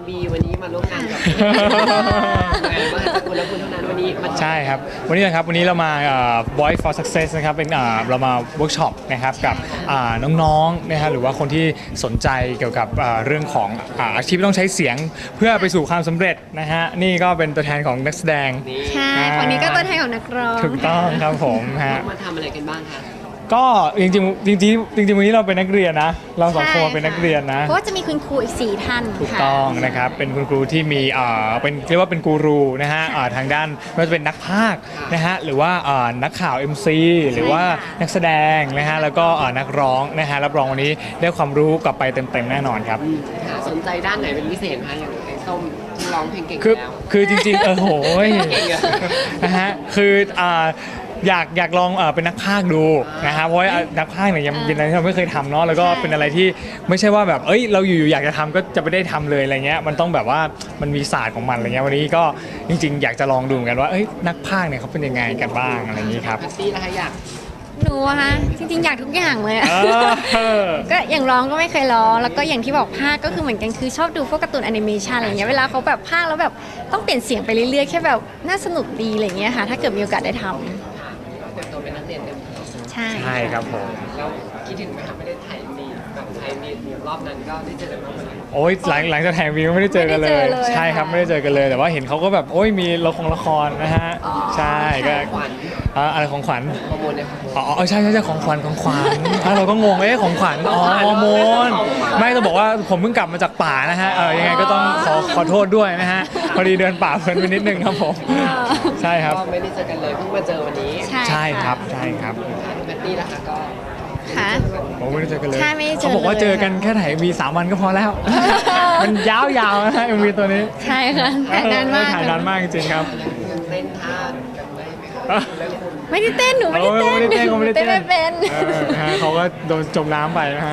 บีวันนี้มาร่วมงานกับมาจากคุณและคุณเท่านั้นวันนี้มาใช่ครับวันนี้นะครับวันนี้เรามาVoice for Success นะครับเป็นเรามาเวิร์กช็อปนะครับกับน้องๆนะฮะหรือว่าคนที่สนใจเกี่ยวกับเรื่องของอาชีพที่ต้องใช้เสียงเพื่อไปสู่ความสำเร็จนะฮะนี่ก็เป็นตัวแทนของนักแสดงใช่คนนี้ก็ตัวแทนของนักร้องถูกต้องครับผมฮะมาทำอะไรกันบ้างคะก็จริงๆวันนี้เราเป็นนักเรียนนะเราสองคนเป็นนักเรียนนะเพราะว่าจะมีคุณครูอีก4ท่านถูกต้องนะครับเป็นคุณครูที่มีเป็นเรียกว่าเป็นกูรูนะฮะทางด้านไม่ว่าจะเป็นนักพากย์นะฮะหรือว่านักข่าว MC หรือว่านักแสดงนะฮะแล้วก็นักร้องนะฮะรับรองวันนี้ได้ความรู้กลับไปเต็มๆแน่นอนครับสนใจด้านไหนเป็นพิเศษคะอย่างไอ้ส้มที่ร้องเพลงเก่งแล้วคือจริงๆโหยนะฮะคืออยากลองเป็นนักพากย์ดูนะฮะเพราะว่านักพากย์เนี่ยยังเป็นอะไรที่เราไม่เคยทำเนาะแล้วก็เป็นอะไรที่ไม่ใช่ว่าแบบเราอยู่ๆอยากจะทำก็จะไม่ได้ทำเลยอะไรเงี้ยมันต้องแบบว่ามันมีศาสตร์ของมันอะไรเงี้ยวันนี้ก็จริงๆอยากจะลองดูเหมือนกันว่านักพากย์เนี่ยเขาเป็นยังไงกันบ้างอะไรอย่างนี้ครับพี่นะคะอยากหนูอะคะจริงๆอยากทุกอย่างเลยก็อย่างร้องก็ไม่เคยร้องแล้วก็อย่างที่บอกพากย์ก็คือเหมือนกันคือชอบดูพวกการ์ตูนแอนิเมชันอะไรเงี้ยเวลาเขาแบบพากย์แล้วแบบต้องเปลี่ยนเสียงไปเรื่อยๆแค่แบบน่าสนุกดีอะไรเงี้ยค่ะถ้าเกิดมีโอกาสได้ทำเป็นนักเรียนกันใช่ครับผมแล้วคิดถึงไหมคะไม่ได้ถ่ายมีแบบถ่ายมีรอบนั้นก็ได้เจอกันบ้างไหมโอ้ยหลังจากถ่ายวีก็ไม่ได้เจอกันเลยใช่ครับไม่ได้เจอกันเลยแต่ว่าเห็นเขาก็แบบมีละครนะฮะใช่ก็อะไรของขวัญฮอร์โมนเนี่ยใช่ของขวัญเราก็งงของขวัญฮอร์โมนไม่ต้องบอกว่าผมเพิ่งกลับมาจากป่านะฮะยังไงก็ต้องขอโทษด้วยนะฮะพอดีเดินป่าเพลินไปนิดนึงครับผมใช่ครับก็ไม่ได้เจอกันเลยเพิ่งมาเจอวันนี้ใช่ครับแพตตี้นะคะก็ค่ะผมไม่ได้เจอกันเลยเขาบอกว่าเจอกันแค่ถ่ายมี3 วันก็พอแล้วมันยาวๆนะฮะมีตัวนี้ใช่ค่ะถ่ายนานมากถ่ายนานมากจริงๆครับเต้นท่ากันไหมคะไม่ได้เต้นหนูไม่ได้เต้นไม่เป็นเขาก็โดนจมน้ำไปนะฮะ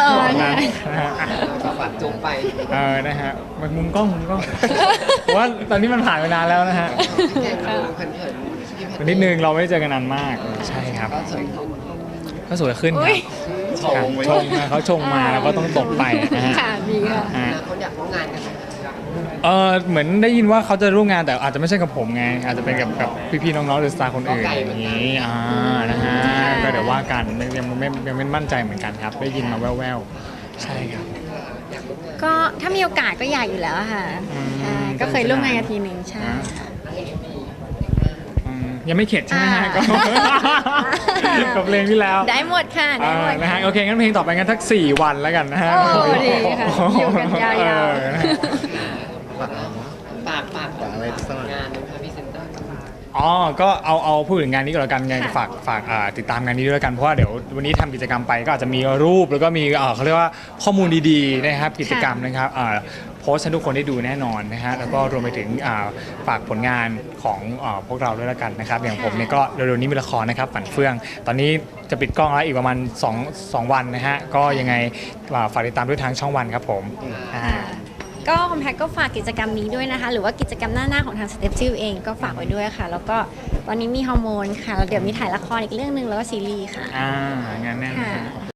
ก็ปัดจมไปนะฮะมันมุมกล้องว่าตอนนี้มันผ่านไปนานแล้วนะฮะนิดนึงเราไม่ได้เจอกันนานมากใช่ครับก็สวยขึ้นครับเขาชงมาแล้วก็ต้องตกไปนะฮะค่ะดีค่ะคนอยากร่วมงานกันเหมือนได้ยินว่าเขาจะร่วมงานแต่อาจจะไม่ใช่กับผมไงอาจจะเป็นกับพี่ๆน้องๆหรือสตาร์คนอื่นอย่างนี้นะฮะก็เดี๋ยวว่ากันยังไม่มั่นใจเหมือนกันครับได้ยินมาแว่วๆใช่ครับก็ถ้ามีโอกาสก็อยากอยู่แล้วค่ะก็เคยร่วมงานกันทีนึงใช่ค่ะยังไม่เข็ดใช่ไหมฮะกับเพลงที่แล้วได้หมดค่ะได้หมดนะฮะโอเคงั้นเพลงต่อไปงั้นทัก4 วันแล้วกันนะฮะดีค่ะอยู่กันยาวฝากอะไรสักงานนะคะพี่เซนเตอร์ก็เอาพูดถึงงานนี้ก็แล้วกันไงฝากติดตามงานนี้ด้วยกันเพราะว่าเดี๋ยววันนี้ทำกิจกรรมไปก็อาจจะมีรูปแล้วก็มีเขาเรียกว่าข้อมูลดีๆนะครับกิจกรรมนะครับโพสต์ให้ทุกคนได้ดูแน่นอนนะฮะแล้วก็รวมไปถึงฝากผลงานของพวกเราด้วยแล้วกันนะครับอย่างผมเนี่ยก็เร็วๆนี้มีละครนะครับฝันเฟื่องตอนนี้จะปิดกล้องแล้วอีกประมาณ2 วันนะฮะก็ยังไงฝากติดตามด้วยทางช่องวันครับผมก็คอมแพคก็ฝากกิจกรรมนี้ด้วยนะคะหรือว่ากิจกรรมหน้าของทาง Step จิลเองก็ฝากไว้ด้วยค่ะแล้วก็ตอนนี้มีฮอร์โมนค่ะแล้วเดี๋ยวมีถ่ายละครอีกเรื่องนึงแล้วก็ซีรีส์ค่ะงานแน่น